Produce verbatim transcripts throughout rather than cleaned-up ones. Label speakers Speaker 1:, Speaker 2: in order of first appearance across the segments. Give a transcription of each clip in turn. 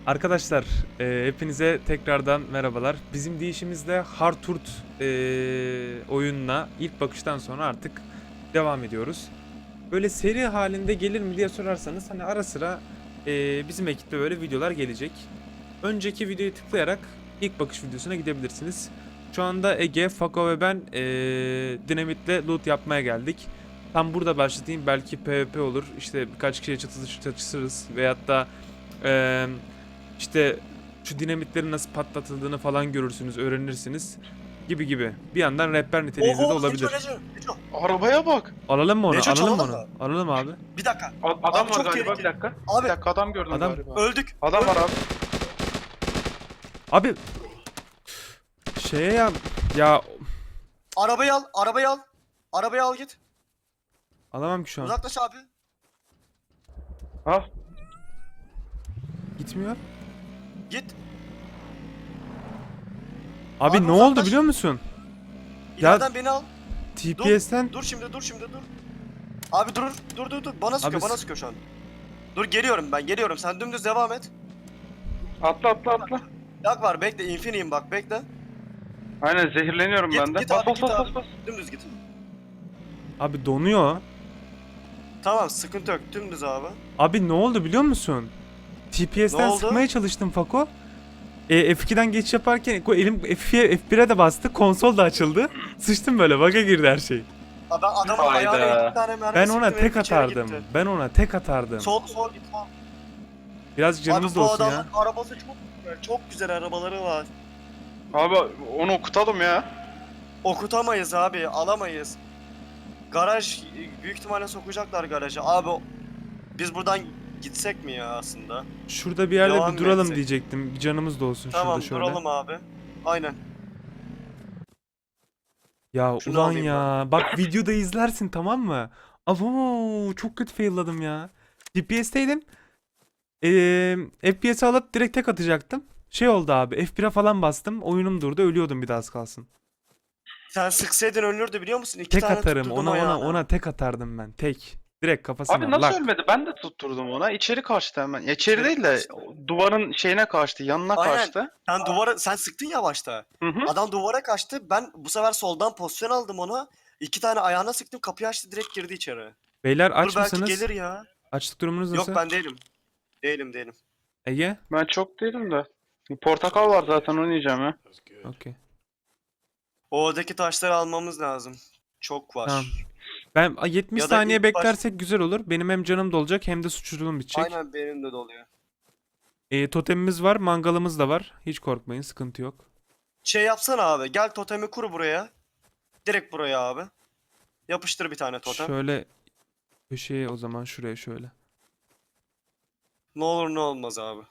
Speaker 1: Arkadaşlar, e, hepinize tekrardan merhabalar. Bizim deyişimizde Harturt e, oyununa ilk bakıştan sonra artık devam ediyoruz. Böyle seri halinde gelir mi diye sorarsanız hani ara sıra e, bizim ekipte böyle videolar gelecek. Önceki videoyu tıklayarak ilk bakış videosuna gidebilirsiniz. Şu anda Ege, Fako ve ben e, dinamitle loot yapmaya geldik. Tam burada başlatayım, belki PvP olur, işte birkaç kişiye çatışırız, çatışırız veyahut da e, işte şu dinamitlerin nasıl patlatıldığını falan görürsünüz, öğrenirsiniz gibi gibi. Bir yandan rehber niteliğinde de
Speaker 2: Oho,
Speaker 1: olabilir.
Speaker 2: Neco, Neco, Neco.
Speaker 3: Arabaya bak.
Speaker 1: Alalım mı onu?
Speaker 2: Neco,
Speaker 1: Alalım mı
Speaker 2: çalalım
Speaker 1: onu?
Speaker 2: mı?
Speaker 1: Alalım abi.
Speaker 2: Bir dakika.
Speaker 3: A- adam
Speaker 2: Abi
Speaker 3: var
Speaker 2: çok
Speaker 3: galiba,
Speaker 2: tehlikeli.
Speaker 3: bir dakika.
Speaker 2: Abi.
Speaker 3: Bir dakika, adam gördüm
Speaker 1: Adam-
Speaker 3: galiba.
Speaker 2: Öldük.
Speaker 3: Adam var
Speaker 2: öldük.
Speaker 3: abi.
Speaker 1: Abi şeye ya ya
Speaker 2: Arabayı al, arabayı al. Arabayı al git.
Speaker 1: alamam ki şu an.
Speaker 2: Uzaklaş abi.
Speaker 3: Al.
Speaker 1: Gitmiyor.
Speaker 2: Git.
Speaker 1: Abi,
Speaker 2: Abi
Speaker 1: ne oldu
Speaker 2: uzaklaş.
Speaker 1: biliyor musun? Ya-
Speaker 2: İleriden beni al.
Speaker 1: T P S'ten
Speaker 2: Dur şimdi, dur şimdi, dur. Abi dur, dur, dur, dur. Bana sıkıyor,
Speaker 1: Abi
Speaker 2: bana
Speaker 1: s-
Speaker 2: sıkıyor şu an. Dur geliyorum ben, geliyorum. Sen dümdüz devam et.
Speaker 3: Atla atla atla.
Speaker 2: Yak var, bekle. Infiniyim bak, bekle.
Speaker 3: Aynen, zehirleniyorum
Speaker 2: Git,
Speaker 3: ben de.
Speaker 2: git
Speaker 3: Bas
Speaker 2: abi,
Speaker 3: bas
Speaker 2: git
Speaker 3: bas
Speaker 2: abi.
Speaker 3: bas bas.
Speaker 2: Dümdüz git.
Speaker 1: abi donuyor.
Speaker 2: Tamam, sıkıntı yok. Dümdüz abi.
Speaker 1: Abi ne oldu biliyor musun? T P S'ten
Speaker 2: Ne oldu?
Speaker 1: sıkmaya çalıştım Fako. E, F ikiden geçiş yaparken ko- elim F bire de bastı, konsol da açıldı. Sıçtım böyle, bug'a girdi her şey.
Speaker 2: Abi ben adamın
Speaker 3: Hayda.
Speaker 2: ayağına iki tane mermi
Speaker 1: Ben ona
Speaker 2: sıktım,
Speaker 1: tek
Speaker 2: herif içeri
Speaker 1: atardım.
Speaker 2: gitti.
Speaker 1: Ben ona tek atardım.
Speaker 2: Sol, sol git, sol.
Speaker 1: Birazcık canımız
Speaker 2: Abi
Speaker 1: da
Speaker 2: bu
Speaker 1: olsun ya.
Speaker 2: adamın arabası çok güzel, çok güzel arabaları var.
Speaker 3: Abi onu okutalım ya.
Speaker 2: Okutamayız abi, alamayız. Garaj, büyük ihtimalle sokacaklar garaja. Abi biz buradan gitsek mi ya aslında?
Speaker 1: Şurada bir yerde
Speaker 2: Devam
Speaker 1: bir duralım
Speaker 2: etsek.
Speaker 1: diyecektim. Bir canımız da olsun
Speaker 2: Tamam,
Speaker 1: şurada şöyle.
Speaker 2: duralım abi. Aynen.
Speaker 1: Ya
Speaker 2: Şunu
Speaker 1: ulan
Speaker 2: alayım
Speaker 1: ya. Bak videoda izlersin, tamam mı? Abo, çok kötü failladım ya. G P S'teydim. Ee, F P S alıp direkt tek atacaktım. Şey oldu abi. F bire falan bastım. Oyunum durdu. Ölüyordum bir daha az kalsın.
Speaker 2: Sen sıksaydın ölürdü biliyor musun? İki
Speaker 1: Tek
Speaker 2: tane
Speaker 1: atarım.
Speaker 2: tutturdum
Speaker 1: Ona ona
Speaker 2: ayağına.
Speaker 1: ona tek atardım ben. Tek. Direkt kafasına.
Speaker 3: Abi nasıl
Speaker 1: lak.
Speaker 3: ölmedi? Ben de tutturdum ona. İçeri kaçtı hemen. Ya içeri değil de duvarın şeyine kaçtı, yanına
Speaker 2: Aynen.
Speaker 3: kaçtı.
Speaker 2: Sen duvara, sen sıktın ya başta.
Speaker 3: Hı hı.
Speaker 2: Adam duvara kaçtı. Ben bu sefer soldan pozisyon aldım ona. İki tane ayağına sıktım. Kapıyı açtı, direkt girdi içeri.
Speaker 1: Beyler aç
Speaker 2: Dur belki
Speaker 1: mısınız?
Speaker 2: gelir ya.
Speaker 1: Açlık durumunuz
Speaker 2: Yok
Speaker 1: nasıl?
Speaker 2: ben değilim. Değilim değilim.
Speaker 1: Ege?
Speaker 3: Ben çok değilim de. Bir portakal var zaten, onu yiyeceğim ya.
Speaker 1: Okey.
Speaker 2: Oradaki taşları almamız lazım. Çok var.
Speaker 1: Tamam. Ben a, yetmiş
Speaker 2: Ya da
Speaker 1: saniye
Speaker 2: ilk baş-
Speaker 1: beklersek güzel olur. Benim hem canım dolacak hem de suçluluğum bitecek.
Speaker 2: Aynen benim de doluyor.
Speaker 1: E, totemimiz var, mangalımız da var. Hiç korkmayın, sıkıntı yok.
Speaker 2: Şey yapsana abi. Gel totemi kur buraya. Direkt buraya abi. Yapıştır bir tane totem.
Speaker 1: Şöyle köşeye, o zaman şuraya şöyle.
Speaker 2: Ne olur ne olmaz abi.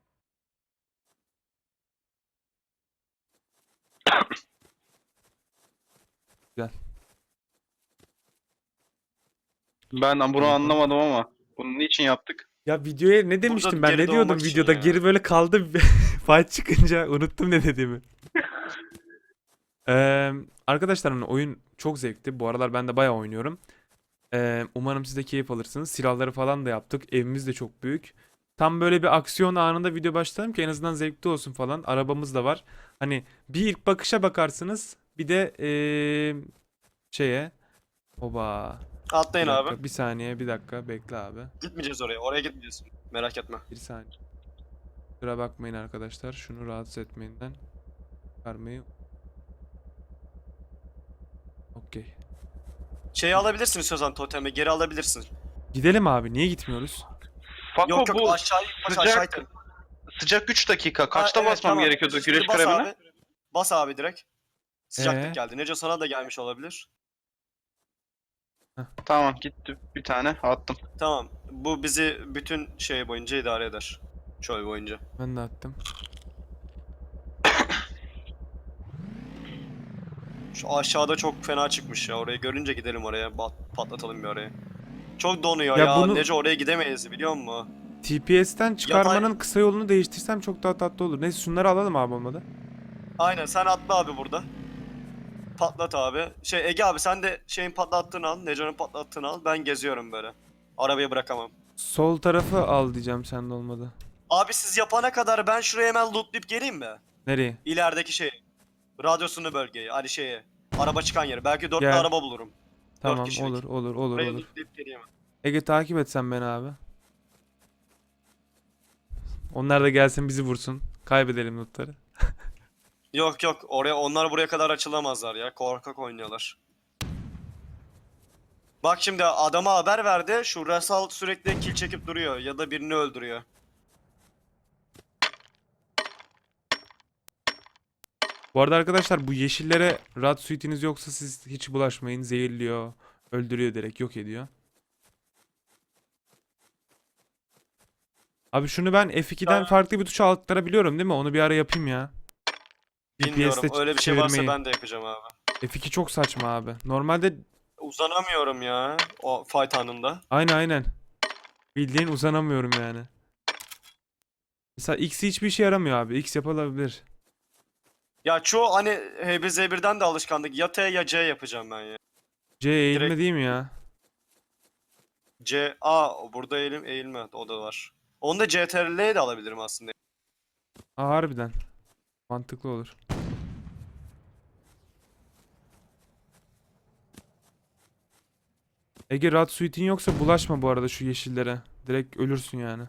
Speaker 1: Güzel.
Speaker 3: Ben bunu anlamadım ama. Bunu niçin yaptık?
Speaker 1: Ya videoya ne demiştim ben?
Speaker 2: geri
Speaker 1: Ne diyordum
Speaker 2: doğmak için
Speaker 1: videoda?
Speaker 2: ya.
Speaker 1: Geri böyle kaldı. Fight çıkınca unuttum ne dediğimi. Ee, arkadaşlar hani oyun çok zevkli. Bu aralar ben de bayağı oynuyorum. Ee, umarım siz de keyif alırsınız. Silahları falan da yaptık. Evimiz de çok büyük. Tam böyle bir aksiyon anında video başlatalım ki en azından zevkli olsun falan. Arabamız da var. Hani bir ilk bakışa bakarsınız. Bir de ee, şeye. Oba. Bir
Speaker 2: Atlayın
Speaker 1: dakika,
Speaker 2: abi.
Speaker 1: bir saniye, bir dakika. Bekle abi.
Speaker 2: Gitmeyeceğiz oraya. Oraya gitmeyeceğiz. Merak etme.
Speaker 1: Bir saniye. Kusura bakmayın arkadaşlar. Şunu rahatsız etmeyinden çıkarmayı. Okey.
Speaker 2: Şeyi alabilirsin istiyorsan totemi. Geri alabilirsin.
Speaker 1: Gidelim abi. Niye gitmiyoruz?
Speaker 3: Fako
Speaker 2: Yok yok
Speaker 3: bu
Speaker 2: aşağı baş
Speaker 3: sıcak-
Speaker 2: aşağı itin.
Speaker 3: sıcak üç dakika.
Speaker 2: Ha,
Speaker 3: Kaçta
Speaker 2: evet,
Speaker 3: basmam
Speaker 2: tamam.
Speaker 3: gerekiyordu
Speaker 2: Şimdi
Speaker 3: güreş
Speaker 2: bas
Speaker 3: kremine?
Speaker 2: abi. Bas abi direkt. Sıcaklık
Speaker 1: Ee?
Speaker 2: geldi. Neco sana da gelmiş olabilir.
Speaker 3: Tamam, gitti bir tane attım.
Speaker 2: Tamam. Bu bizi bütün şey boyunca idare eder. Çöl boyunca.
Speaker 1: Ben de attım.
Speaker 2: Şu aşağıda çok fena çıkmış ya. Orayı görünce gidelim oraya. Bat- patlatalım bir orayı. Çok donuyor
Speaker 1: Ya
Speaker 2: ya.
Speaker 1: bunu-
Speaker 2: Neco oraya gidemeyiz biliyor musun?
Speaker 1: T P S'ten çıkarmanın kısa yolunu değiştirsem çok daha tatlı olur. Neyse şunları alalım abi olmadı.
Speaker 2: Aynen sen atla abi burada. Patlat abi. Şey Ege abi sen de şeyin patlattığını al. Neco'nun patlattığını al. Ben geziyorum böyle. Arabayı bırakamam.
Speaker 1: Sol tarafı al diyeceğim, sende olmadı.
Speaker 2: Abi siz yapana kadar ben şuraya hemen lootlayıp geleyim mi?
Speaker 1: Nereye?
Speaker 2: İlerideki şey. Radyosunu bölgeyi. Hani şeyi. Araba çıkan yeri. Belki dörtlü
Speaker 1: Gel.
Speaker 2: araba bulurum.
Speaker 1: Tamam
Speaker 2: kişilik.
Speaker 1: olur olur olur
Speaker 2: Buraya
Speaker 1: olur.
Speaker 2: lootlayıp geleyim.
Speaker 1: Ege takip et sen beni abi. Onlar da gelsin bizi vursun. Kaybedelim lootları.
Speaker 2: Yok yok. Oraya onlar buraya kadar açılamazlar ya. Korkak oynuyorlar. Bak şimdi adama haber verdi. Şu Rasal sürekli kill çekip duruyor. Ya da birini öldürüyor.
Speaker 1: Bu arada arkadaşlar bu yeşillere rad suitiniz yoksa siz hiç bulaşmayın. Zehirliyor, öldürüyor direkt, yok ediyor. Abi şunu ben F iki'den
Speaker 2: Ya-
Speaker 1: farklı bir tuşa aktarabiliyorum değil mi? Onu bir ara yapayım ya.
Speaker 2: Bilmiyorum.
Speaker 1: G P S'te
Speaker 2: Öyle bir şey varsa
Speaker 1: çevirmeyi.
Speaker 2: ben de yapacağım abi.
Speaker 1: F iki çok saçma abi. Normalde
Speaker 2: Uzanamıyorum ya. O fight anında.
Speaker 1: aynen aynen. Bildiğin uzanamıyorum yani. Mesela X hiçbir işe yaramıyor abi. X yapılabilir.
Speaker 2: Ya çoğu hani H B Z birden de alışkanlık. Ya T ya C yapacağım ben ya.
Speaker 1: C eğilme
Speaker 2: Direkt-
Speaker 1: değil mi ya?
Speaker 2: C, A burada eğilim eğilme o da var. Onu da C T R L'ye de alabilirim aslında.
Speaker 1: Aa, harbiden. Mantıklı olur. Ege rad suite'in yoksa bulaşma bu arada şu yeşillere. Direkt ölürsün yani.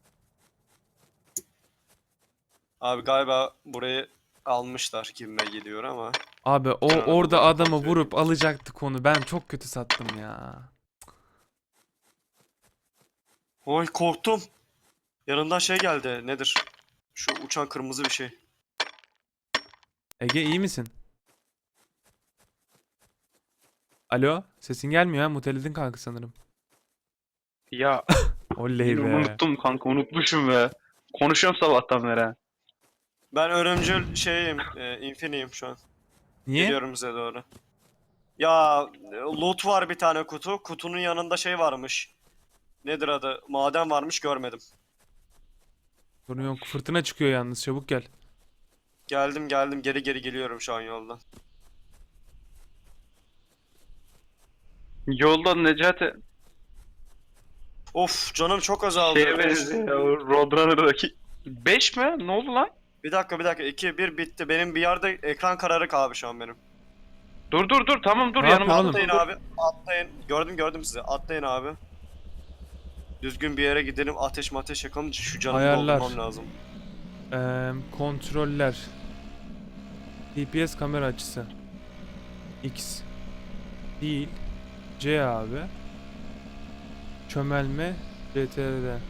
Speaker 2: Abi galiba burayı almışlar gibime geliyor ama.
Speaker 1: Abi o
Speaker 2: Sonra
Speaker 1: orada
Speaker 2: bunu
Speaker 1: adamı
Speaker 2: kontrol
Speaker 1: vurup alacaktık onu. Ben çok kötü sattım ya.
Speaker 2: Oy korktum. Yanından şey geldi. Nedir? Şu uçan kırmızı bir şey.
Speaker 1: Ege iyi misin? Alo, sesin gelmiyor ha. Muteledin kanka sanırım.
Speaker 3: Ya
Speaker 1: Oley
Speaker 3: yine
Speaker 1: be.
Speaker 3: unuttum kanka, unutmuşum be. Konuşuyorum sabahtan beri. ha.
Speaker 2: Ben ölümcül şeyim. E, infiniyim şu an.
Speaker 1: Niye?
Speaker 2: Geliyorum size doğru. Ya e, loot var bir tane kutu. Kutunun yanında şey varmış. Nedir adı? Maden varmış görmedim.
Speaker 1: Sorun yok. Fırtına çıkıyor yalnız. Çabuk gel.
Speaker 2: Geldim geldim geri geri geliyorum şu an yoldan.
Speaker 3: Yolda Necati
Speaker 2: Of canım çok azaldı.
Speaker 3: şeye benziyor ya, o Roadrunner'daki. beş mi? Ne oldu lan?
Speaker 2: Bir dakika bir dakika iki bir bitti. Benim bir yerde ekran kararık abi şu an benim.
Speaker 3: Dur dur dur, tamam dur,
Speaker 1: Ne
Speaker 3: yanımda
Speaker 1: yapıyorsun
Speaker 3: dur,
Speaker 2: Atlayın
Speaker 3: dur.
Speaker 2: abi. Atlayın. Gördüm gördüm sizi. Atlayın abi. Düzgün bir yere gidelim. Ateş mateş yakalım. Şu canımı
Speaker 1: Ayarlar.
Speaker 2: doldurmam lazım.
Speaker 1: Eee, kontroller. G P S kamera açısı. X. Değil. C abi. Çömelme. C T R L.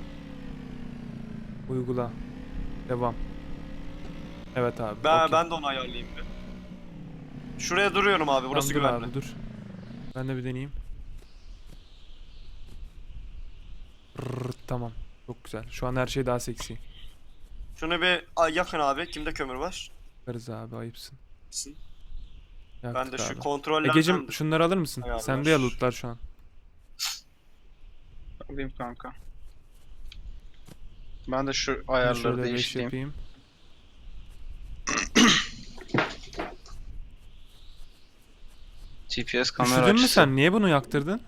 Speaker 1: Uygula. Devam. Evet abi.
Speaker 2: Ben
Speaker 1: okey.
Speaker 2: ben de onu ayarlayayım bir. Şuraya duruyorum abi. Burası
Speaker 1: Tamam, dur
Speaker 2: güvenli.
Speaker 1: abi, dur. Ben de bir deneyeyim. Rrrt, tamam. Çok güzel. Şu an her şey daha seksi.
Speaker 2: Şunu bir ay, yakın abi. Kimde kömür var?
Speaker 1: Bakarız abi, ayıpsın.
Speaker 2: Misin?
Speaker 1: Yaktık
Speaker 2: Ben de şu
Speaker 1: abi.
Speaker 2: kontrollerden...
Speaker 1: Egecim şunları alır mısın?
Speaker 2: Ayarlar.
Speaker 1: Sende ya lootlar şu an.
Speaker 3: Alayım kanka. Ben de şu
Speaker 1: Ben
Speaker 3: ayarları
Speaker 1: şöyle beş
Speaker 3: değiştireyim.
Speaker 1: yapayım.
Speaker 3: G P S kamera
Speaker 1: Üşüdün mü
Speaker 3: açısı.
Speaker 1: sen? Niye bunu yaktırdın?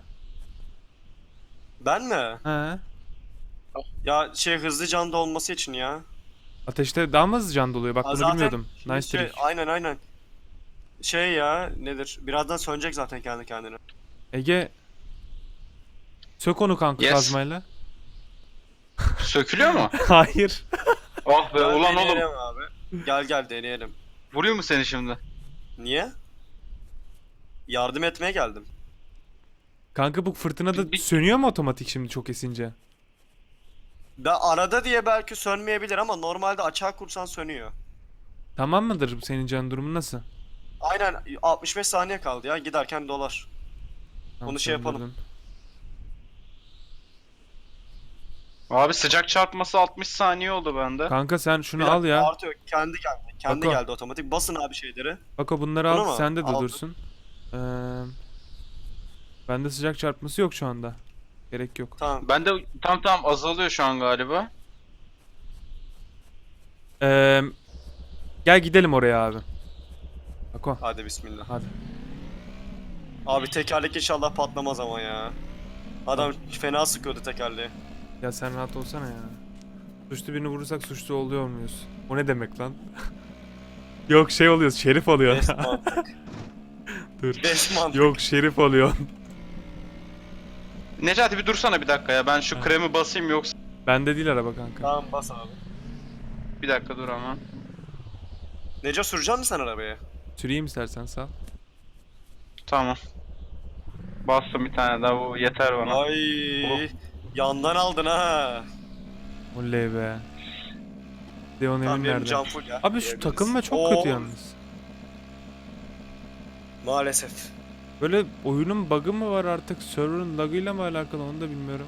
Speaker 2: Ben mi?
Speaker 1: He.
Speaker 2: Ya şey hızlı canda olması için ya.
Speaker 1: Ateşte daha mı hızlı can doluyor? Bak
Speaker 2: Ha,
Speaker 1: bunu
Speaker 2: zaten
Speaker 1: bilmiyordum.
Speaker 2: şimdi
Speaker 1: Nice
Speaker 2: şey,
Speaker 1: trick.
Speaker 2: aynen aynen. Şey ya nedir? Birazdan sönecek zaten kendi kendine.
Speaker 1: Ege. Sök onu kanka
Speaker 3: Yes.
Speaker 1: kazmayla.
Speaker 3: Sökülüyor mu?
Speaker 1: Hayır.
Speaker 3: Ah be
Speaker 2: Gel
Speaker 3: ulan oğlum.
Speaker 2: deneyelim abi. Gel gel deneyelim.
Speaker 3: Vuruyor mu seni şimdi?
Speaker 2: Niye? Yardım etmeye geldim.
Speaker 1: Kanka bu fırtınada
Speaker 3: Bir-
Speaker 1: sönüyor mu otomatik şimdi çok esince?
Speaker 2: Ben arada diye belki sönmeyebilir ama normalde açığa kursan sönüyor.
Speaker 1: Tamam mıdır senin can durumun nasıl?
Speaker 2: Aynen altmış beş saniye kaldı ya giderken dolar.
Speaker 1: Tamam,
Speaker 2: Onu şey yapalım.
Speaker 1: söndürdüm.
Speaker 3: Abi sıcak çarpması altmış saniye oldu bende.
Speaker 1: Kanka sen şunu
Speaker 2: Bir
Speaker 1: al
Speaker 2: dakika,
Speaker 1: ya.
Speaker 2: Artıyor kendi geldi. Kendi
Speaker 1: Bak o.
Speaker 2: geldi otomatik. Basın abi şeyleri.
Speaker 1: Bak o bunları
Speaker 2: Bunu
Speaker 1: al.
Speaker 2: mu?
Speaker 1: Sende de
Speaker 2: Aldım.
Speaker 1: dursun. Ee, bende sıcak çarpması yok şu anda. Gerek yok.
Speaker 2: Tamam.
Speaker 3: Bende tam tam azalıyor şu an galiba.
Speaker 1: Ee, gel gidelim oraya abi. Bak o.
Speaker 2: Hadi bismillah.
Speaker 1: Hadi.
Speaker 2: Abi tekerlek inşallah patlamaz ama ya. Adam fena sıkıyordu tekerleği.
Speaker 1: Ya sen rahat olsana ya. Suçlu birini vurursak suçlu oluyor muyuz? O ne demek lan? Yok şey oluyoruz, şerif oluyor.
Speaker 2: Beş mantık.
Speaker 1: Dur.
Speaker 2: Beş mantık.
Speaker 1: Yok şerif oluyor.
Speaker 3: Necati bir dursana bir dakika ya. Ben şu
Speaker 1: Ha.
Speaker 3: kremi basayım yoksa.
Speaker 1: Bende değil araba kanka.
Speaker 2: Tamam bas abi.
Speaker 3: Bir dakika dur ama.
Speaker 2: Neco süreceksin mi sen arabayı?
Speaker 1: Süreyim istersen sağ.
Speaker 3: Tamam. Bastım bir tane daha, bu yeter bana.
Speaker 2: Ay
Speaker 3: Oh.
Speaker 2: yandan aldın ha.
Speaker 1: Oley be. Deon
Speaker 2: Tamam
Speaker 1: evin
Speaker 2: benim
Speaker 1: nerede?
Speaker 2: can full ya.
Speaker 1: Abi şu
Speaker 2: Diyebiliriz.
Speaker 1: takılma çok
Speaker 2: Oo,
Speaker 1: kötü yalnız.
Speaker 2: Maalesef.
Speaker 1: Böyle oyunun bug'ı mı var artık, server'ın lag'ıyla mı alakalı onu da bilmiyorum.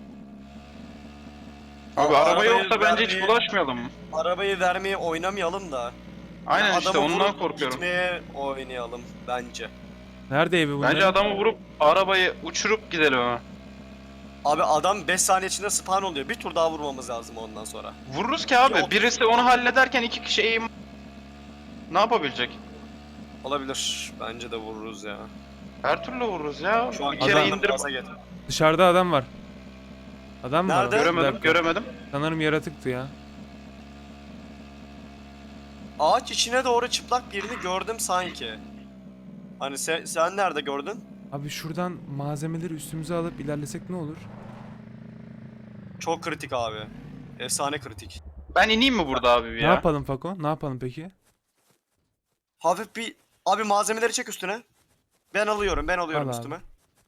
Speaker 3: Abi
Speaker 2: Aa,
Speaker 3: araba
Speaker 2: arabayı
Speaker 3: yoksa bence hiç
Speaker 2: vermeye-
Speaker 3: bulaşmayalım.
Speaker 2: Arabayı vermeye oynamayalım da.
Speaker 3: Aynen
Speaker 2: Yani
Speaker 3: işte
Speaker 2: adamı
Speaker 3: ondan
Speaker 2: vurup
Speaker 3: korkuyorum.
Speaker 2: Gitmeye oynayalım bence.
Speaker 1: Nerede evi bunların?
Speaker 3: Bence adamı vurup arabayı uçurup gidelim ama.
Speaker 2: Abi adam beş saniye içinde spawn oluyor. Bir tur daha vurmamız lazım ondan sonra.
Speaker 3: Vururuz ki abi.
Speaker 2: Yok.
Speaker 3: Birisi onu hallederken iki kişi eğim... Ne yapabilecek?
Speaker 2: Olabilir. Bence de vururuz ya.
Speaker 3: Her türlü vururuz ya.
Speaker 2: Şu an
Speaker 3: Bir kere
Speaker 1: Adam-
Speaker 2: kenardan
Speaker 3: indirip...
Speaker 2: gaza getir.
Speaker 1: Dışarıda adam var. Adam mı var?
Speaker 2: Nerede?
Speaker 1: orada? Bir
Speaker 3: Göremedim,
Speaker 1: dakika.
Speaker 3: göremedim.
Speaker 1: Sanırım yaratıktı ya.
Speaker 2: Ağaç içine doğru çıplak birini gördüm sanki. Hani sen, sen nerede gördün?
Speaker 1: Abi şuradan malzemeleri üstümüze alıp ilerlesek ne olur?
Speaker 2: Çok kritik abi. Efsane kritik.
Speaker 3: Ben ineyim mi burada abi bir
Speaker 1: Ne
Speaker 3: ya?
Speaker 1: yapalım Fako? Ne yapalım peki?
Speaker 2: Hafif bir... Abi malzemeleri çek üstüne. Ben alıyorum, ben alıyorum
Speaker 1: Al abi.
Speaker 2: üstüme.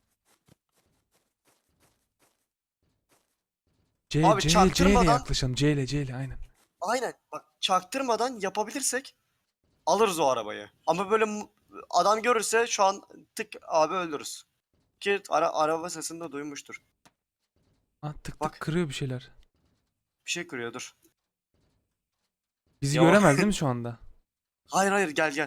Speaker 1: C,
Speaker 2: Abi
Speaker 1: C, C ile
Speaker 2: çaktırmadan-
Speaker 1: yaklaşalım. C ile C ile aynen.
Speaker 2: Aynen. Bak çaktırmadan yapabilirsek alırız o arabayı. Ama böyle mu- adam görürse şu an tık abi öldürürüz. Ki ara, araba sesini de duymuştur.
Speaker 1: Ah tık tık
Speaker 2: Bak.
Speaker 1: kırıyor bir şeyler.
Speaker 2: Bir şey kırıyor dur.
Speaker 1: Bizi
Speaker 2: Yavaş.
Speaker 1: göremez değil mi şu anda?
Speaker 2: Hayır hayır gel gel.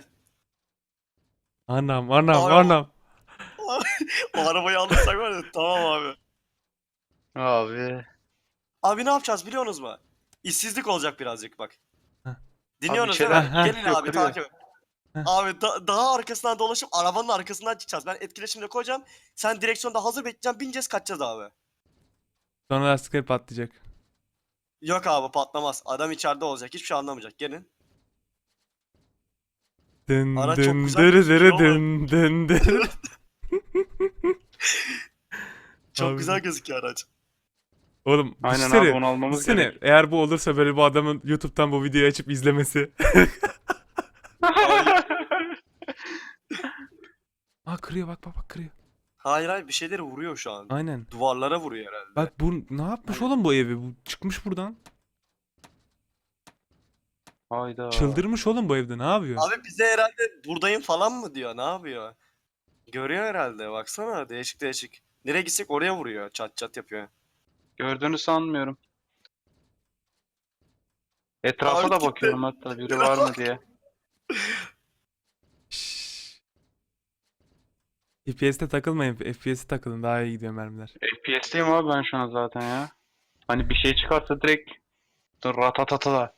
Speaker 1: Anam anam
Speaker 2: Abi,
Speaker 1: anam.
Speaker 2: O arabayı alırsak var ya tamam abi.
Speaker 3: Abi.
Speaker 2: Abi ne yapacağız biliyorsunuz mu? İşsizlik olacak birazcık bak.
Speaker 1: Heh.
Speaker 2: Dinliyorsunuz
Speaker 3: Abi
Speaker 2: değil
Speaker 3: bir
Speaker 2: mi?
Speaker 1: şeyler-
Speaker 2: Gelin
Speaker 3: Heh,
Speaker 2: abi
Speaker 3: kırıyor.
Speaker 2: takip et.
Speaker 1: Heh.
Speaker 2: Abi da- daha arkasından dolaşıp arabanın arkasından çıkacağız. Ben etkileşimle koyacağım. Sen direksiyonda hazır bekleyeceğim. Bineceğiz kaçacağız abi.
Speaker 1: Sonra lastikleri patlayacak.
Speaker 2: Yok abi patlamaz. Adam içeride olacak. Hiçbir şey anlamayacak. Gelin.
Speaker 1: Dın
Speaker 2: Ara çok
Speaker 1: dın
Speaker 2: güzel
Speaker 1: dırı
Speaker 2: gözüküyor
Speaker 1: dırı
Speaker 2: ama-
Speaker 1: dın dın dın.
Speaker 2: Çok
Speaker 1: Abi.
Speaker 2: güzel gözüküyor araç.
Speaker 1: Oğlum
Speaker 3: Aynen
Speaker 1: düşünsene,
Speaker 3: abi onu almamız
Speaker 1: düşünsene,
Speaker 3: gerek.
Speaker 1: eğer bu olursa böyle bu adamın YouTube'dan bu videoyu açıp izlemesi. Aa kırıyor bak bak bak kırıyor.
Speaker 2: Hayır hayır bir şeyleri vuruyor şu an.
Speaker 1: Aynen.
Speaker 2: Duvarlara vuruyor herhalde.
Speaker 1: Bak bu ne yapmış oğlum bu evi? Bu çıkmış buradan.
Speaker 3: Hayda.
Speaker 1: Çıldırmış oğlum bu evde. Ne yapıyor?
Speaker 2: Abi bize herhalde buradayım falan mı diyor. Ne yapıyor? Görüyor herhalde. Baksana değişik değişik. Nereye gitsek oraya vuruyor. Çat çat yapıyor.
Speaker 3: Gördüğünü sanmıyorum. Etrafa
Speaker 2: Abi
Speaker 3: da
Speaker 2: gitti.
Speaker 3: bakıyorum hatta biri var mı diye.
Speaker 1: Şşş. F P S'te takılmayın. F P S'e takılın. Daha iyi gidiyor mermiler.
Speaker 3: F P S'teyim abi ben şu an zaten ya. Hani bir şey çıkarsa direkt ratatata.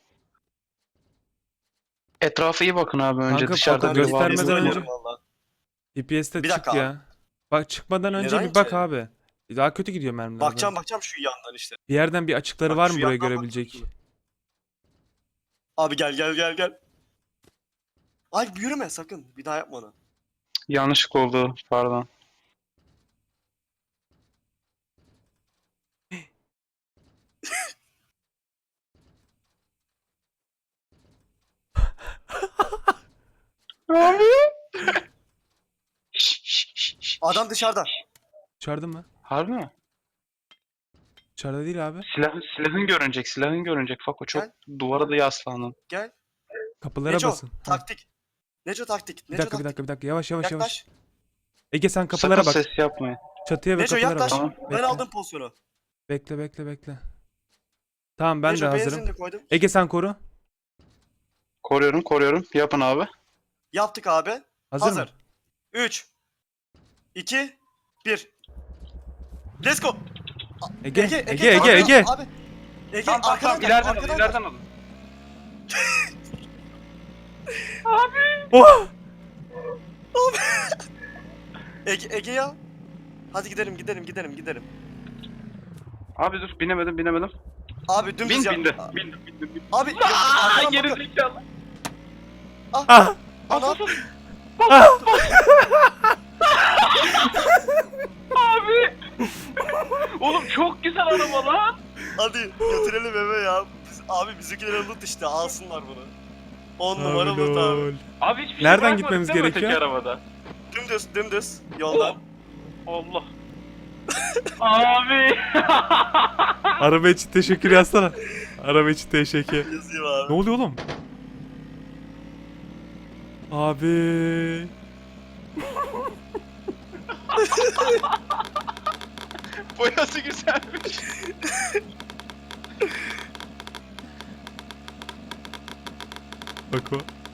Speaker 3: Etrafa iyi bakın abi önce
Speaker 1: Kanka,
Speaker 3: dışarıda
Speaker 1: Fako
Speaker 3: biri var mı?
Speaker 1: göstermeden
Speaker 3: diye.
Speaker 1: önce-
Speaker 2: Bilmiyorum vallahi.
Speaker 1: F P S'te
Speaker 2: Bir
Speaker 1: çık
Speaker 2: dakika
Speaker 1: ya. Bak çıkmadan önce
Speaker 2: Neden
Speaker 1: bir bak
Speaker 2: ki?
Speaker 1: abi. Daha kötü gidiyor mermiler.
Speaker 2: Bakacağım
Speaker 1: bak.
Speaker 2: bakacağım şu yandan işte.
Speaker 1: Bir yerden bir açıkları
Speaker 2: Bak
Speaker 1: var
Speaker 2: şu
Speaker 1: mı buraya
Speaker 2: yandan
Speaker 1: görebilecek?
Speaker 2: bakıyorsun. Abi gel gel gel gel. Ay yürüme sakın. Bir daha yapma onu.
Speaker 3: Yanlışlık oldu pardon. Abi. Şş, şş, şş, şş.
Speaker 2: Adam dışarıda.
Speaker 1: Dışarıda mı?
Speaker 3: Harbi mi?
Speaker 1: Dışarıda değil abi.
Speaker 3: Silahın, silahın görünecek, silahın görünecek. Fako çok duvara da yaslandın.
Speaker 2: Gel.
Speaker 1: Kapılara
Speaker 2: Neco
Speaker 1: basın. Ha,
Speaker 2: taktik. Neco taktik.
Speaker 1: bir
Speaker 2: Neco
Speaker 1: dakika bir
Speaker 2: taktik.
Speaker 1: dakika bir dakika. Yavaş yavaş yavaş.
Speaker 2: Yaklaş.
Speaker 1: Ege sen kapılara
Speaker 3: Sakın
Speaker 1: bak.
Speaker 3: ses yapmayın.
Speaker 1: Çatıya ve
Speaker 2: Neco
Speaker 1: kapılara
Speaker 2: yaklaş.
Speaker 1: bak.
Speaker 3: Tamam.
Speaker 2: Ben
Speaker 1: Bekle.
Speaker 2: aldım pozisyonu.
Speaker 1: Bekle bekle bekle. Tamam ben
Speaker 2: Neco
Speaker 1: de hazırım.
Speaker 2: benzin de koydum.
Speaker 1: Ege sen koru.
Speaker 3: Koruyorum, koruyorum. Yapın abi.
Speaker 2: Yaptık abi.
Speaker 1: Hazır,
Speaker 2: Hazır.
Speaker 1: mı?
Speaker 2: üç iki bir Let's go.
Speaker 1: Ege
Speaker 2: Ege
Speaker 1: Ege Ege
Speaker 2: Ege
Speaker 1: Ege.
Speaker 2: Abi. Ege
Speaker 3: Tamam tamam
Speaker 2: arkadan
Speaker 3: tamam.
Speaker 2: gel,
Speaker 3: İleriden alın,
Speaker 2: arkadan
Speaker 3: ileriden alın.
Speaker 1: Oh!
Speaker 2: gel. Ege, Ege ya. Hadi gidelim gidelim gidelim gidelim.
Speaker 3: Abi dur, binemedim, binemedim.
Speaker 2: Abi dümdüz
Speaker 3: Bin
Speaker 2: yap.
Speaker 3: bindi. Bindim bindim bindim.
Speaker 2: Abi
Speaker 3: Aa,
Speaker 2: arkadan
Speaker 3: geri
Speaker 2: bakın.
Speaker 3: zekalı.
Speaker 1: Ah!
Speaker 2: Ana.
Speaker 3: Abi. Oğlum çok güzel araba lan.
Speaker 2: Hadi götürelim eve ya. Biz, abi bizimkiler loot işte alsınlar bunu. on numara
Speaker 1: Abi
Speaker 2: loot abi.
Speaker 1: lol.
Speaker 3: Abi hiçbir şey
Speaker 1: Nereden
Speaker 3: bırakmadık
Speaker 1: gitmemiz
Speaker 3: değil mi öteki
Speaker 1: gerekiyor?
Speaker 3: arabada?
Speaker 2: Dümdüz dümdüz yoldan.
Speaker 3: Allah. Abi.
Speaker 1: Araba için teşekkür yazsana. Araba için teşekkür.
Speaker 2: Yazayım abi.
Speaker 1: Ne oluyor oğlum? Abi.
Speaker 3: Boyası güzelmiş.
Speaker 1: Bak o.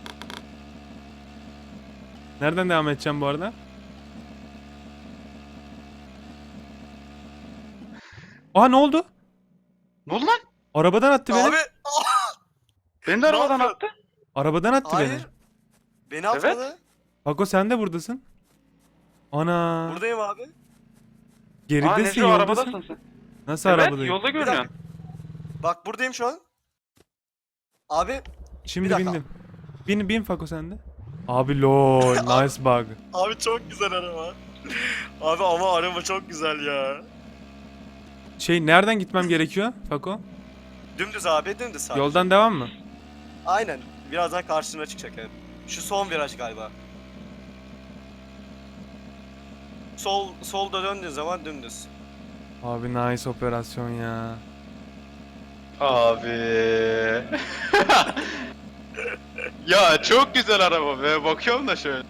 Speaker 1: Nereden devam edeceğim bu arada? Aa ne oldu?
Speaker 3: Ne oldu lan?
Speaker 1: Arabadan attı beni.
Speaker 2: Abi
Speaker 3: Beni de
Speaker 2: Ne
Speaker 3: arabadan
Speaker 2: yapıyorsun?
Speaker 3: attı.
Speaker 1: Arabadan attı beni.
Speaker 2: hayır. Beni atmadı.
Speaker 1: Bako sen de buradasın. Ana.
Speaker 2: Buradayım abi.
Speaker 3: Aa
Speaker 1: Geridesin,
Speaker 3: Neco
Speaker 1: yoldasın.
Speaker 3: arabadasın sen.
Speaker 1: Nasıl
Speaker 3: Evet
Speaker 1: arabadayım?
Speaker 3: yolda
Speaker 2: Bir
Speaker 3: görünüyorsun.
Speaker 2: dakika. Bak buradayım şu an. Abi
Speaker 1: Şimdi
Speaker 2: Bir dakika.
Speaker 1: bindim. Bin bin Fako sen de. Abi lol, nice bug.
Speaker 2: abi çok güzel araba. Abi ama araba çok güzel ya.
Speaker 1: Şey nereden gitmem gerekiyor Fako?
Speaker 2: Dümdüz abi dümdüz sadece.
Speaker 1: Yoldan devam mı?
Speaker 2: Aynen. Birazdan karşına çıkacak evet. Şu son viraj galiba. Sol solda döndüğün zaman dümdüz.
Speaker 1: Abi nice operasyon ya.
Speaker 3: Abi. Ya çok güzel araba be. Bakıyorum da şöyle.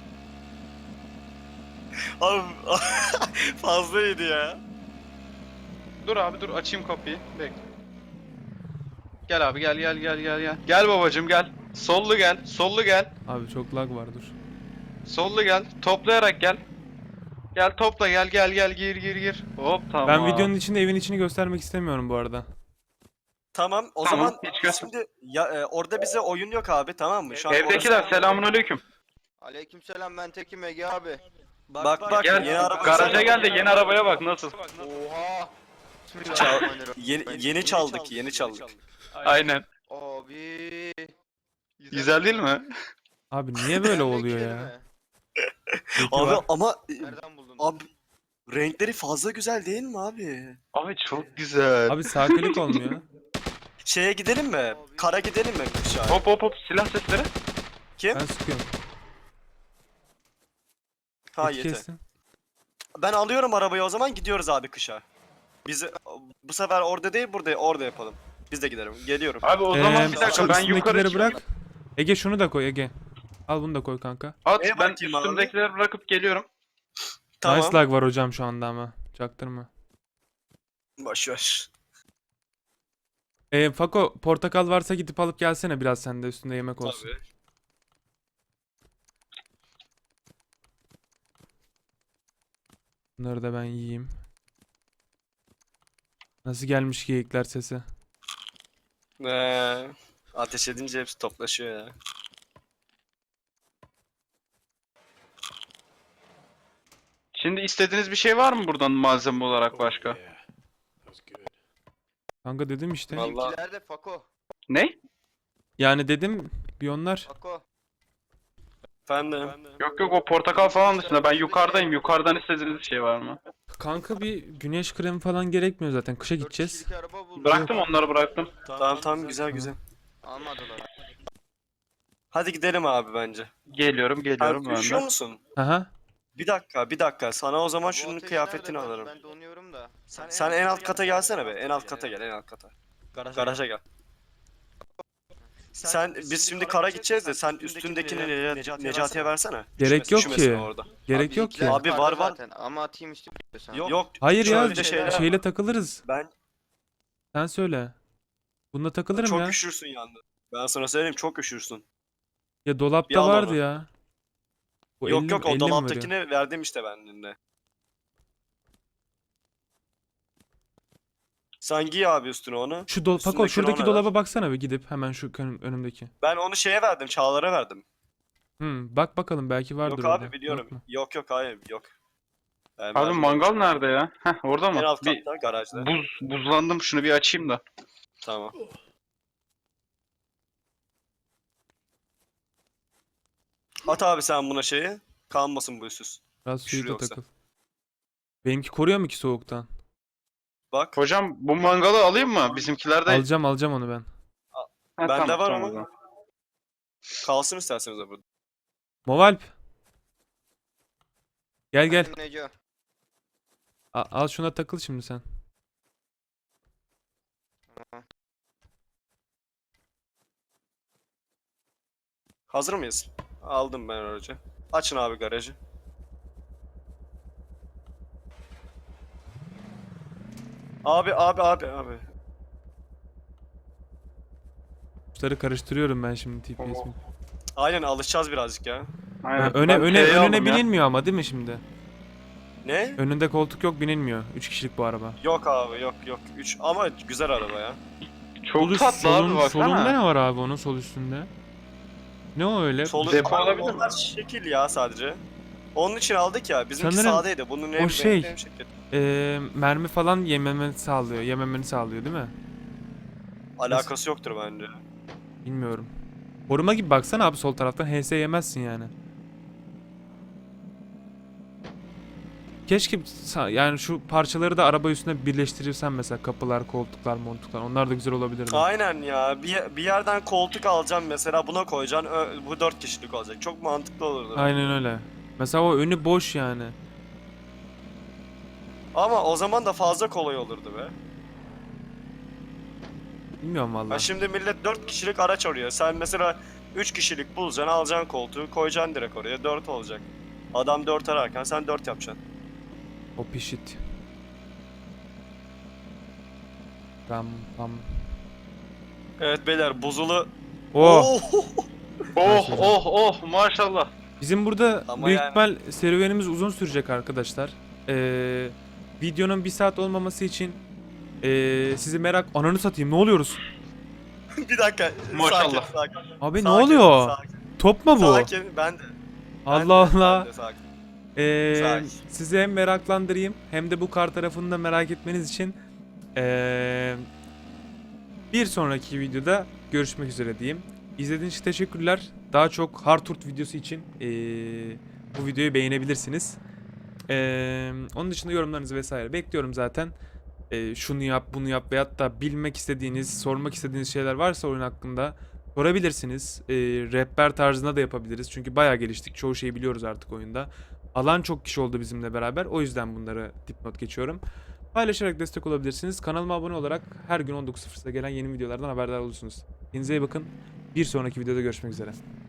Speaker 2: Abi fazlaydı ya.
Speaker 3: Dur abi dur açayım kapıyı. Bekle. Gel abi gel gel gel gel gel. Gel babacım gel. Sollu gel. Sollu gel.
Speaker 1: Abi çok lag var dur.
Speaker 3: Sollu gel. Toplayarak gel. Gel topla gel gel gel gir gir gir. Hop tamam.
Speaker 1: Ben videonun içinde evin içini göstermek istemiyorum bu arada.
Speaker 2: Tamam o
Speaker 3: Tamam,
Speaker 2: zaman
Speaker 3: hiç
Speaker 2: biz
Speaker 3: göster-
Speaker 2: şimdi ya, e, orada bize oyun yok abi tamam mı? Şu an
Speaker 3: Evdekiler
Speaker 2: orası-
Speaker 3: selamünaleyküm.
Speaker 4: Aleykümselam ben Tekim Ege abi.
Speaker 2: Bak bak
Speaker 3: Gel
Speaker 2: yeni araba
Speaker 3: garaja gel de yeni arabaya bak nasıl.
Speaker 4: Oha.
Speaker 2: Çal- yeni, yeni çaldık yeni çaldık.
Speaker 3: Aynen.
Speaker 4: Abi.
Speaker 3: Güzel değil mi?
Speaker 1: Abi niye böyle oluyor ya? Peki
Speaker 2: Abi
Speaker 1: var.
Speaker 2: ama e,
Speaker 4: Nereden buldun?
Speaker 2: abi renkleri fazla güzel değil mi abi?
Speaker 3: Abi çok güzel.
Speaker 1: Abi sağ klik olmuyor.
Speaker 2: Şeye gidelim mi? Kara gidelim mi kışa?
Speaker 3: Hop hop hop silah sesleri.
Speaker 2: Kim?
Speaker 1: Ben sıkıyorum.
Speaker 2: Ha
Speaker 1: Eti
Speaker 2: yeter.
Speaker 1: kestim.
Speaker 2: Ben alıyorum arabayı o zaman gidiyoruz abi kışa. Biz e, bu sefer orada değil burada orada yapalım. Biz de gidelim. Geliyorum.
Speaker 3: Abi o zaman
Speaker 1: Ee,
Speaker 3: bir
Speaker 1: şu
Speaker 3: dakika ben yukarı
Speaker 1: üstündekileri
Speaker 3: çıkayım.
Speaker 1: bırak. Ege şunu da koy Ege. Al bunu da koy kanka.
Speaker 3: At
Speaker 2: Neye
Speaker 3: ben
Speaker 2: bakayım abi?
Speaker 3: üstümdekileri bırakıp geliyorum.
Speaker 2: Tamam.
Speaker 1: Nice lag var hocam şu anda ama. Çaktırma.
Speaker 2: Boş ver.
Speaker 1: Ee, Fako portakal varsa gidip alıp gelsene biraz sende üstünde yemek olsun.
Speaker 2: Tabii.
Speaker 1: Bunları da ben yiyeyim. Nasıl gelmiş geyikler sesi?
Speaker 2: Ee, ateş edince hepsi toplaşıyor ya.
Speaker 3: Şimdi istediğiniz bir şey var mı buradan malzeme olarak başka?
Speaker 1: Kanka dedim işte.
Speaker 2: Vallahi-
Speaker 4: Bizimkiler de Fako.
Speaker 3: Ne?
Speaker 1: Yani dedim bir onlar.
Speaker 4: Fako.
Speaker 2: Efendim.
Speaker 3: Yok yok o portakal falan dışında ben yukarıdayım. Yukarıdan istediğiniz bir şey var mı?
Speaker 1: Kanka bir güneş kremi falan gerekmiyor zaten. Kışa
Speaker 4: Dört
Speaker 1: gideceğiz.
Speaker 4: kişilik araba buldum.
Speaker 3: Bıraktım onları bıraktım.
Speaker 2: Tamam tamam güzel güzel.
Speaker 4: Almadılar.
Speaker 2: Hadi gidelim abi bence.
Speaker 3: Geliyorum
Speaker 2: Sen
Speaker 3: geliyorum ben
Speaker 2: üşüyor
Speaker 3: de.
Speaker 2: musun?
Speaker 1: Aha.
Speaker 2: Bir dakika bir dakika sana o zaman
Speaker 4: Bu
Speaker 2: şunun
Speaker 4: ateş
Speaker 2: kıyafetini
Speaker 4: nerede? Ben-
Speaker 2: alırım.
Speaker 4: Ben donuyorum da.
Speaker 2: Sen en alt kata gelsene be. En alt kata gel en alt kata. Garaja gel. Sen biz şimdi kara gideceğiz de sen üstündekini Neca- Necati'ye versene.
Speaker 1: Gerek
Speaker 2: Üşümesin-
Speaker 1: yok
Speaker 2: üşümesin
Speaker 1: ki.
Speaker 2: orada.
Speaker 1: Gerek yok ki.
Speaker 2: Abi var, var.
Speaker 4: Zaten. Ama atayım istiyorsan.
Speaker 2: Yok. Yok.
Speaker 1: Hayır ya
Speaker 2: şöyle şeyler-
Speaker 1: şeyle takılırız.
Speaker 2: Ben
Speaker 1: Sen söyle. Bunda takılırım
Speaker 2: çok
Speaker 1: ya.
Speaker 2: üşürsün yalnız. Ben sana söyleyeyim çok üşürsün.
Speaker 1: Ya
Speaker 2: Bir
Speaker 1: dolapta
Speaker 2: al
Speaker 1: vardı
Speaker 2: onu.
Speaker 1: ya. Bu
Speaker 2: yok
Speaker 1: elli
Speaker 2: yok
Speaker 1: elli
Speaker 2: o
Speaker 1: mi veriyor?
Speaker 2: dolaptakini verdim işte ben dün. Sen giy abi üstüne onu.
Speaker 1: Şu dol Fako
Speaker 2: Üstündekini
Speaker 1: şuradaki
Speaker 2: ona
Speaker 1: dolaba baksana bir gidip hemen şu ön- önümdeki.
Speaker 2: Ben onu şeye verdim, Çağlar'a verdim.
Speaker 1: Hmm, bak bakalım belki vardır
Speaker 2: Yok
Speaker 1: orada.
Speaker 2: abi biliyorum.
Speaker 1: Yok mu?
Speaker 2: Yok yok hayır yok. Ben
Speaker 3: Abi
Speaker 2: verdim.
Speaker 3: mangal nerede ya? Heh orada
Speaker 2: En
Speaker 3: mı?
Speaker 2: alt
Speaker 3: Bir
Speaker 2: katta garajda.
Speaker 3: buz buzlandım şunu bir açayım da.
Speaker 2: Tamam. At abi sen buna şeyi. Kalmasın bu üstsüz.
Speaker 1: Biraz
Speaker 2: Üşür
Speaker 1: suyu da
Speaker 2: yoksa.
Speaker 1: takıl. Benimki koruyor mu ki soğuktan?
Speaker 2: Bak.
Speaker 3: Hocam bu mangalı alayım mı? Bizimkiler de...
Speaker 1: Alacağım alacağım onu ben.
Speaker 3: Ha,
Speaker 2: Bende
Speaker 3: tamam,
Speaker 2: var
Speaker 3: tamam
Speaker 2: ama.
Speaker 3: o zaman.
Speaker 2: Kalsın isterseniz de burada.
Speaker 1: Movalp. Gel gel.
Speaker 4: Neco.
Speaker 1: A- al şuna takıl şimdi sen.
Speaker 2: Hazır mıyız? Aldım ben aracı. Açın abi garajı. Abi abi abi abi.
Speaker 1: Tuşları karıştırıyorum ben şimdi T P S 'mi?
Speaker 2: Aynen alışacağız birazcık ya.
Speaker 3: Aynen.
Speaker 1: Öne
Speaker 3: Ben
Speaker 1: öne
Speaker 3: T'yi
Speaker 1: önüne
Speaker 3: aldım ya.
Speaker 1: binilmiyor ama değil mi şimdi?
Speaker 2: Ne?
Speaker 1: Önünde koltuk yok, binilmiyor. üç kişilik bu araba.
Speaker 2: Yok abi yok yok. üç ama güzel araba ya.
Speaker 3: Çok
Speaker 1: Sol üst-
Speaker 3: tatlı
Speaker 1: solun-
Speaker 3: abi baksana.
Speaker 1: Solunda ne var abi onun sol üstünde? Ne o öyle?
Speaker 2: Solu
Speaker 3: Depo
Speaker 2: Abi
Speaker 3: olabilir mi?
Speaker 2: onlar şekil ya sadece. Onun için aldık ya. Bizimki
Speaker 1: Sanırım
Speaker 2: sağdaydı. Bunun en
Speaker 1: o şey-
Speaker 2: en şekil.
Speaker 1: Ee, mermi falan yememeni sağlıyor. Yememeni sağlıyor değil mi?
Speaker 2: Alakası yoktur bence.
Speaker 1: Bilmiyorum. Koruma gibi baksana abi sol taraftan H S yemezsin yani. Keşke sa- yani şu parçaları da araba üstüne birleştirirsen mesela kapılar, koltuklar, montuklar onlar da güzel olabilirdi.
Speaker 2: Aynen ya. Bir, bir yerden koltuk alacağım mesela buna koyacaksın. Ö- bu dört kişilik olacak. Çok mantıklı olurdu.
Speaker 1: Aynen öyle. Mesela o önü boş yani.
Speaker 2: Ama o zaman da fazla kolay olurdu be.
Speaker 1: Bilmiyorum
Speaker 2: Ha
Speaker 1: vallahi.
Speaker 2: şimdi millet dört kişilik araç arıyor. Sen mesela üç kişilik bulacaksın, alacaksın koltuğu, koyacaksın direkt oraya. dört olacak. Adam dört ararken sen dört yapacaksın.
Speaker 1: O pişit. Pam pam.
Speaker 2: Evet beyler buzulu.
Speaker 1: Oh!
Speaker 3: Oh oh oh maşallah.
Speaker 1: Bizim burada
Speaker 2: Ama
Speaker 1: büyük
Speaker 2: yani-
Speaker 1: ihtimal serüvenimiz uzun sürecek arkadaşlar. Ee, videonun bir saat olmaması için ee, sizi merak... Ananı satayım ne oluyoruz?
Speaker 2: Bir dakika.
Speaker 3: Maşallah.
Speaker 2: Sakin, sakin.
Speaker 1: Abi ne
Speaker 2: Sakin,
Speaker 1: oluyor?
Speaker 2: Sakin.
Speaker 1: Top mu bu?
Speaker 2: Sakin. Ben de. ben
Speaker 1: Allah
Speaker 2: de,
Speaker 1: Allah.
Speaker 2: ben de sakin.
Speaker 1: Ee,
Speaker 2: Sakin.
Speaker 1: sizi hem meraklandırayım hem de bu kar tarafını da merak etmeniz için ee, bir sonraki videoda görüşmek üzere diyeyim. İzlediğiniz için teşekkürler. Daha çok Hard Tour videosu için ee, bu videoyu beğenebilirsiniz. Ee, onun dışında yorumlarınızı vesaire bekliyorum zaten. Ee, şunu yap, bunu yap veyahut da bilmek istediğiniz, sormak istediğiniz şeyler varsa oyun hakkında sorabilirsiniz. Ee, rehber tarzında da yapabiliriz. Çünkü bayağı geliştik. Çoğu şeyi biliyoruz artık oyunda. Alan çok kişi oldu bizimle beraber. O yüzden bunları dipnot geçiyorum. Paylaşarak destek olabilirsiniz. Kanalıma abone olarak her gün on dokuz sıfırda gelen yeni videolardan haberdar olursunuz. Kendinize iyi bakın. Bir sonraki videoda görüşmek üzere.